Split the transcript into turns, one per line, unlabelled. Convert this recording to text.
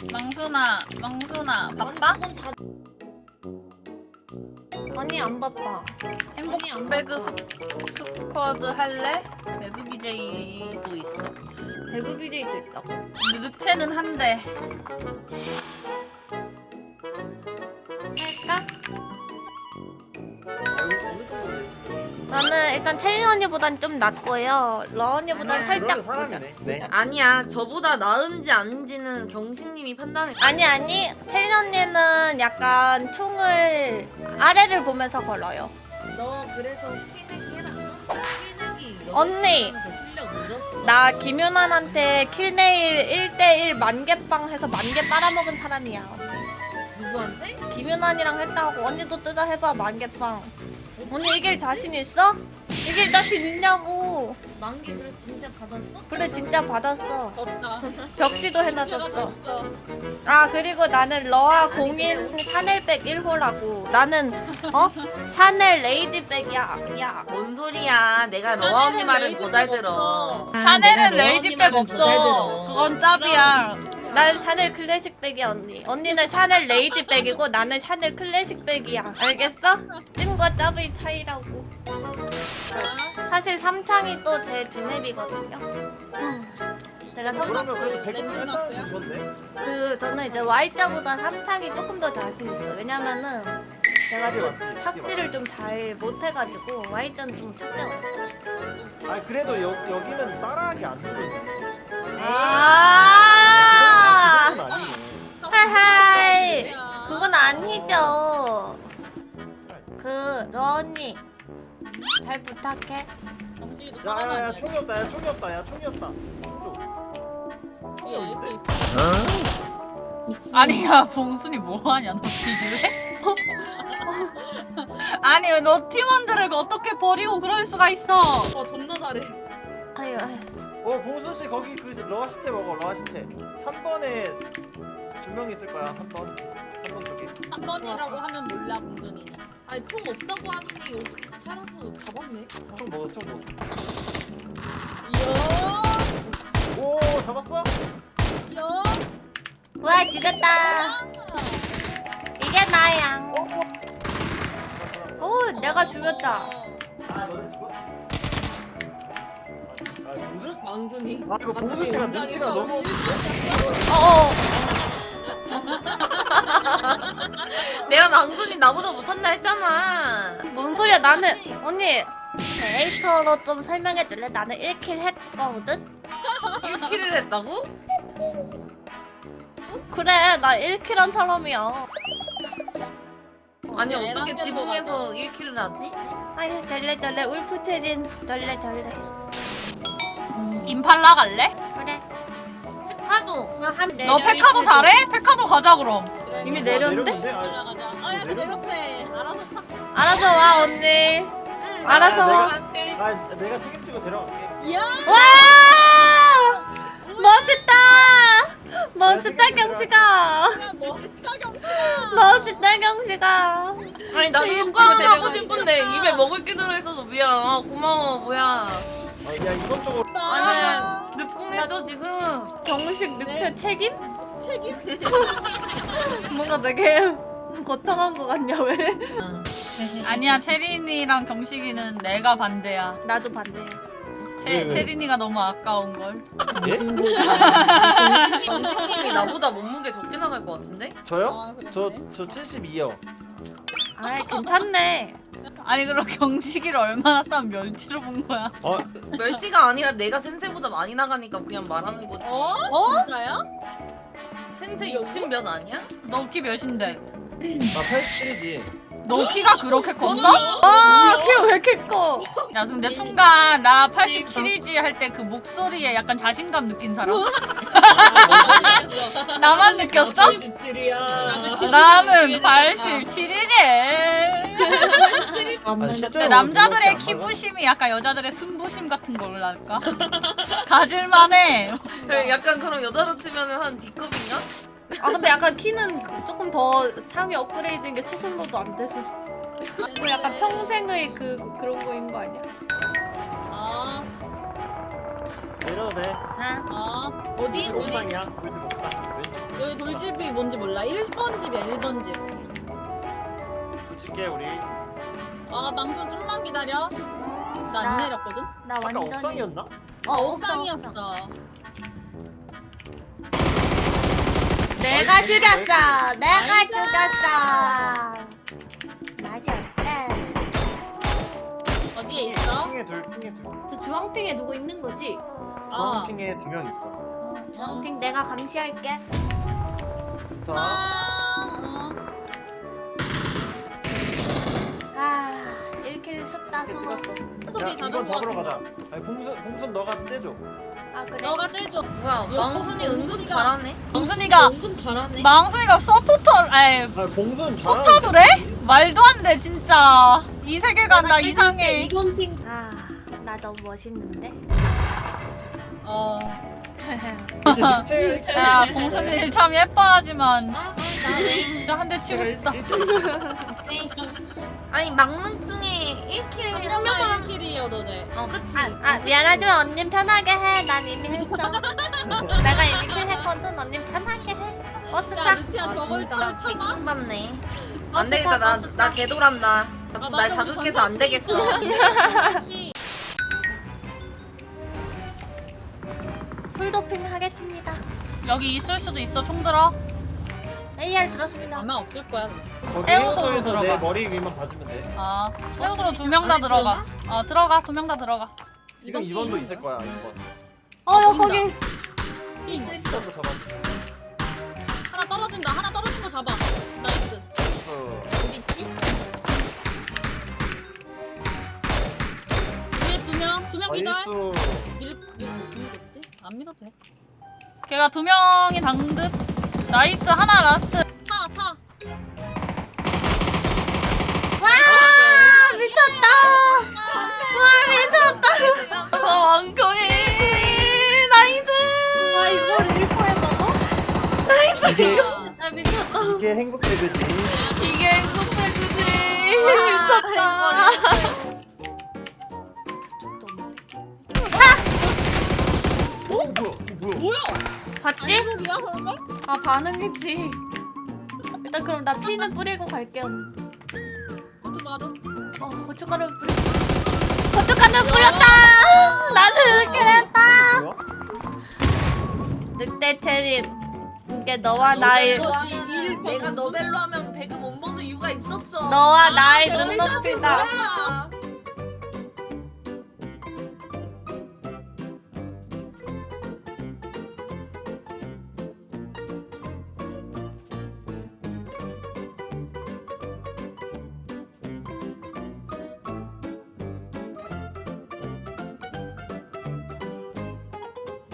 망순아 바빠?
아니 안 바빠.
행복 배그 스쿼드 할래? 배그 BJ도 있어.
배그 BJ도 있다고?
늑체는 한대.
할까? 저는 일단 채린 언니보단 좀 낫고요. 러 언니보단 살짝 보자.
네.
아니야, 저보다 나은지 아닌지는 경식님이 판단해.
아니 채린 언니는 약간 총을 아래를 보면서 걸어요.
너 그래서 킬내기 해놨어? 킬내기
언니!
실력 늘었어.
나 김윤환한테 킬네일 1대1 만개빵 해서 만개 빨아먹은 사람이야.
누구한테?
김윤환이랑 했다고. 언니도 뜯어 해봐 만개빵. 언니 이길 자신 있어? 이길 자신 있냐고.
만개 그래서 진짜 받았어?
그래 진짜 받았어.
졌다.
벽지도 해놨었어.
졌어.
아 그리고 나는 러아 공인 샤넬백 1호라고. 나는 샤넬 레이디백이야. 야.
뭔 소리야? 내가 러아 언니 말은 더 잘 들어.
샤넬은 레이디백 없어. 그건 짭이야.
나는 샤넬 클래식백이야 언니. 언니는 샤넬 레이디백이고 나는 샤넬 클래식백이야. 알겠어? 찐과 짭의 차이라고. 사실 삼창이 또 제 두뇌비거든요. 제가
그러면
성격
그래도 100점 했다는 건데?
저는 이제 Y자보다 삼창이 조금 더 자신 있어. 왜냐면은 제가 또 착지를 좀 잘 못해가지고 Y자는 좀 착지가 어렵다.
아 그래도 여기는 따라하기 안 되거든요.
아,
그건 아니네.
하하이. 그건 아니죠. 러 언니 잘 부탁해.
야야야 총이 없다 야 총이 없다 야 총이 없다.
아니야 봉순이 뭐하냐 너 뒤질래? 아니 너 팀원들을 어떻게 버리고 그럴 수가 있어?
존나 잘해.
아유.
봉순 씨 거기 그 러아 시체 먹어 러아 시체. 3번에 2명 있을 거야 3번. 3번 쪽에.
3번이라고 하면 몰라 봉순이는.
아니 총 없다고 하더니 어떻게 살아서 잡았네.
총 먹었어 총 먹었어.
요.
오 잡았어?
요.
와 죽였다. 이게 나야. 오 내가 죽였다.
아 너네 죽었어? 아 봉순?
망순이.
아 이거 봉순 씨가 눈치가 너무.
어어.
내가 망순이 나보다 못한다 했잖아.
뭔 소리야 나는 언니 데이터로 좀 설명해 줄래? 나는 1킬 했거든?
1킬을 했다고?
그래 나 1킬한 사람이야.
아니 어떻게 지붕에서 1킬을 하지?
아유 절레절레 울프체린 절레절레.
임팔라 갈래?
그래.
카도.
너 페카도 잘해? 페카도 가자 그럼.
이미 내렸는데?
올라가자. 아야 내렸대. 알아서 타.
알아서 와 언니. 알아서 와.
내가 책임지고 데려갈게.
야.
와 멋있다. 멋있다 경식아.
멋있다 경수야.
멋있다 경식아.
아니 나도 효과음 하고 싶은데 입에 먹을 게 들어있어서 미안. 아 고마워 뭐야.
야 이것저것.
아니 늦궁했어 지금.
경식 늑체
네.
책임?
책임.
뭔가 되게 거창한 거 같냐 왜?
아니야 체린이랑 경식이는 내가 반대야.
나도 반대해.
왜?
체린이가 너무 아까운 걸.
예?
경식님이 나보다 몸무게 적게 나갈 것 같은데?
저요? 저 72요.
아 괜찮네.
아니 그럼 경식이를 얼마나 싸면 멸치로 본 거야?
멸치가 아니라 내가 센세보다 많이 나가니까 그냥 말하는 거지.
진짜야?
센세 60몇 아니야?
너 키 몇인데?
나 87이지.
너 키가 그렇게 컸어?
키가 왜 이렇게 커?
야 근데 순간 나 87이지 할 때 그 목소리에 약간 자신감 느낀 사람? 나만 느꼈어?
87이야.
나는 87이지.
아니, 실제로
근데 남자들의
그렇게 안 나가?
키부심이 약간 여자들의 승부심 같은 걸랄까? 가질만해.
약간 그럼 여자로 치면은 한 D컵인가?
아 근데 약간 키는 조금 더 상위 업그레이드인 게 수술로도 안 돼서. 그 약간 평생의 그런 거인 거 아니야?
내려도 돼.
아
어.
어디?
왼쪽 옥상이야. 왼쪽 옥상. 왼쪽.
여기 돌집이 뭔지 몰라. 1번 집이야 1번 집.
붙일게 우리.
아 망수 좀만 기다려. 나 안
나-
내렸거든.
나
아까
완전히.
옥상이었나?
옥상이었어.
내가 죽였어. 내가
나이스.
죽였어. 맞았다.
어디에 있어?
핑에 둘.
저 주황핑에 누구 있는 거지?
아.
핑에 2명 있어.
주황핑 내가 감시할게.
자,
아, 1킬 숫다
이렇게
수고.
찍었어.
그래서
야,
네
이번
자전거
잡으러
같은
가자. 아니 봉순 너가 떼줘.
아 그래?
너가 째줘.
뭐야 망순이 은근 잘하네.
망순이가
은근 잘하네.
망순이가 서포터 아니
아 봉순 잘하는.
포탑을 해? 말도 안 돼 진짜. 이 세계관 나 이상해.
아, 나 너무 멋있는데?
어.
야 봉순이 참 예뻐하지만 진짜 한 대 치고 싶다.
아니 막능 중에 1킬 한 명만
1킬이어도 돼.
그치.
아, 미안하지만 언니 편하게 해. 난 이미 했어. 내가 이미 킬 했거든. 언니 편하게 해. 버스
야
타.
루치야 저걸
진짜
참아?
개킹 받네. 안 되겠다. 나 개돌한다. 자꾸 날
맞아,
자극해서 안 되겠어.
풀도핑 하겠습니다.
여기 있을 수도 있어 총 들어.
AR 들었습니다.
아마 없을 거야.
거기
해우소로
해우소에서 내
들어가.
머리 위만 봐주면 돼.
아 최우수로 2명 다
안에
들어가. 들어가 2명 다 들어가.
지금
이번
2번도 있을 거야 2번.
야,
보인다.
거기.
있어.
2번도 잡아.
하나 떨어진다. 하나 떨어진 거 잡아. 나이스. 어디 있지? 위에 두 명 기절.
나이스.
밀겠지? 안 밀어도 돼.
걔가 2명이 당듯. 나이스 하나 라스트.
차.
와, 미쳤다. 와, 미쳤다.
왕거해. 나이스.
와, 이걸 1포에 먹어?
이게
나 미쳤다.
이게 행복 레벨이지.
이게 행복해 주지.
미쳤다.
뭐야?
봤지?
소리야 설마?
아, 반응했지. 일단 그럼 나 피는 뿌리고 갈게요.
바로.
고춧가루 뿌리. 고춧가루 뿌렸다. 나는 이렇게 했다.
뭐야?
늑대 체린. 이게 너와 나의
내가 너벨로 하면 배그 못 먹는 이유가 있었어.
너와 나의 눈높이다.